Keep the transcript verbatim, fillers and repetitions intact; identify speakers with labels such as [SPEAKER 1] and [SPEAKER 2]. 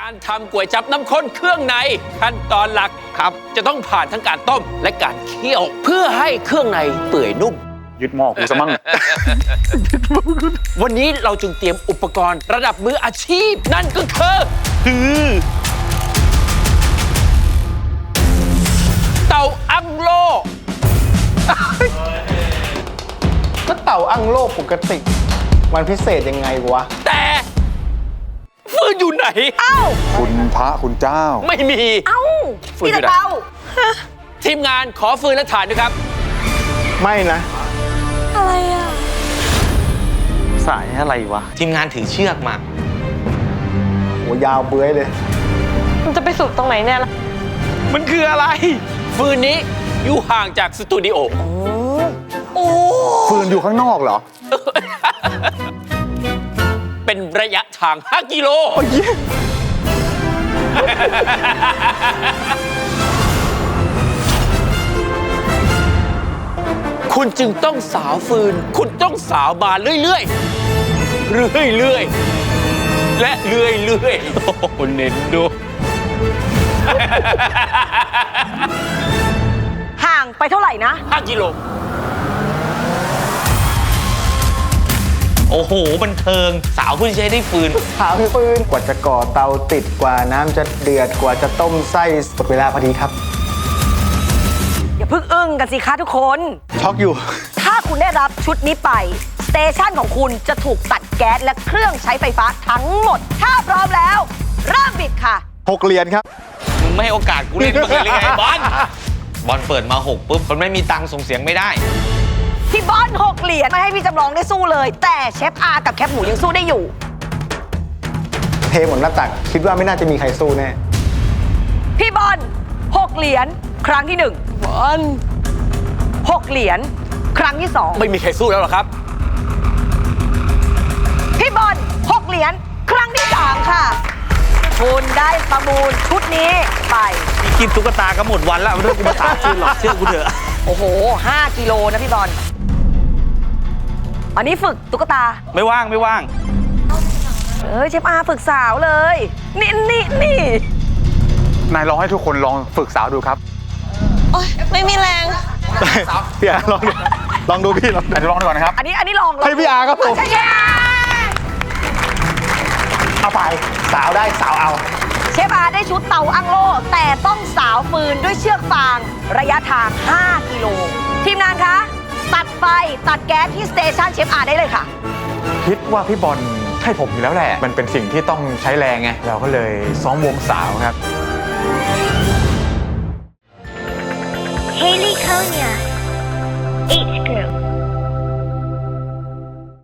[SPEAKER 1] การทำก๋วยจั๊บน้ำข้นเครื่องในขั้นตอนหลักครับจะต้องผ่านทั้งการต้มและการเคี่ยว เพื่อให้เครื่องในเปื่อยนุ่ม
[SPEAKER 2] ยึดหม้อกูซะมั่ง
[SPEAKER 1] วันนี้เราจึงเตรียมอุปกรณ์ระดับมืออาชีพนั่นก็คือคือเตาอั้งโล่
[SPEAKER 3] ก็เต่าอั้งโลกปกติมันพิเศษยังไงวะ
[SPEAKER 1] แต่ฟืนอยู่ไหน
[SPEAKER 4] เอ้า
[SPEAKER 2] คุณพระคุณเจ้า
[SPEAKER 1] ไม่มี
[SPEAKER 4] เอ้า
[SPEAKER 1] ฟืนอยู่ไหนทีมงานขอฟืนและถ่านด้วยครับ
[SPEAKER 3] ไม่นะ
[SPEAKER 4] อะไรอ่ะ
[SPEAKER 2] สายอะไรวะ
[SPEAKER 5] ทีมงานถือเชือกมา
[SPEAKER 3] โหยาวเบื้อยเลย
[SPEAKER 4] มันจะไปสุดตรงไหนเนี่ยล่ะ
[SPEAKER 1] มันคืออะไรฟืนนี้อยู่ห่างจากสตูดิโอ
[SPEAKER 4] โอ้
[SPEAKER 2] ฟืนอยู่ข้างนอกเหรอ
[SPEAKER 1] เป็นระยะทางห้ากิโลคุณจึงต้องสาวฟืนคุณต้องสาวบานเรื่อยๆเรื่อยๆและเรื่อยๆโอ้โหเน้นดู
[SPEAKER 4] ห่างไปเท่าไหร่นะ
[SPEAKER 1] ห้ากิโล
[SPEAKER 5] โอ้โหบันเทิงสาวเพิ่งใช้ได้ฟืน
[SPEAKER 3] สาวฟืนกว่าจะก่อเตาติดกว่าน้ำจะเดือดกว่าจะต้มไส้หมดเวลาพอดีครับ
[SPEAKER 4] อย่าเพิ่งอึ้งกันสิคะทุกคน
[SPEAKER 3] ช็อกอยู่
[SPEAKER 4] ถ้าคุณได้รับชุดนี้ไปสเตชันของคุณจะถูกตัดแก๊สและเครื่องใช้ไฟฟ้าทั้งหมดถ้าพร้อมแล้วเริ่มบิดค่ะ
[SPEAKER 3] หกเหรียญครับ
[SPEAKER 5] มึงไม่ให้โอกาสกูเล่นบ้างเลยหรือไงบอลบอลเปิดมาหกปุ๊บมันไม่มีตังค์ส่งเสียงไม่ได้
[SPEAKER 4] พี่บอลหกเหรียญไม่ให้พี่จำลองได้สู้เลยแต่เชฟอากับแคปหมูยังสู้ได้อยู่
[SPEAKER 3] เทหมดหน้าตักคิดว่าไม่น่าจะมีใครสู้แน่
[SPEAKER 4] พี่บอลหกเหรียญครั้งที่หนึ่งบอลหกเหรียญครั้งที่สอง
[SPEAKER 1] ไม่มีใครสู้แล้วหรอครับ
[SPEAKER 4] พี่บอลหกเหรียญครั้งที่สามค่ะคุณได้ประมูลชุดนี้ไป
[SPEAKER 5] พี่กินตุ๊กตาก็หมดวันแล้วไม่ต้องกูมาถามชื่อหรอกเชื่อกูเถอะ
[SPEAKER 4] โอ้โหห้ากิโลนะพี่บอลอันนี้ฝึกตุ๊กตา
[SPEAKER 5] ไม่ว่างไม่ว่าง
[SPEAKER 4] เอ้ยเชฟอาฝึกสาวเลยนี่นี่นี่
[SPEAKER 2] นายลองให้ทุกคนลองฝึกสาวดูครับ
[SPEAKER 4] โอ๊ยไม่มีแรง
[SPEAKER 2] พี่อาลองดูลองดูพี่ลองลองดูก่อนนะครับ
[SPEAKER 4] อันนี้อันนี้ลอง
[SPEAKER 3] ให้พี่อาครับผมเอาไปสาวได้สาวเอา
[SPEAKER 4] เชฟอาได้ชุดเตาอั้งโล่แต่ต้องสาวฟืนด้วยเชือกฟางระยะทางห้ากิโลทีมงานคะตัดไฟตัดแก๊สที่สเตชันเชฟอาได้เลยค่ะ
[SPEAKER 2] คิดว่าพี่บอลให้ผมอยู่แล้วแหละมันเป็นสิ่งที่ต้องใช้แรงไงเราก็เลยซ้อมวงสาวครับ
[SPEAKER 6] Haley Konya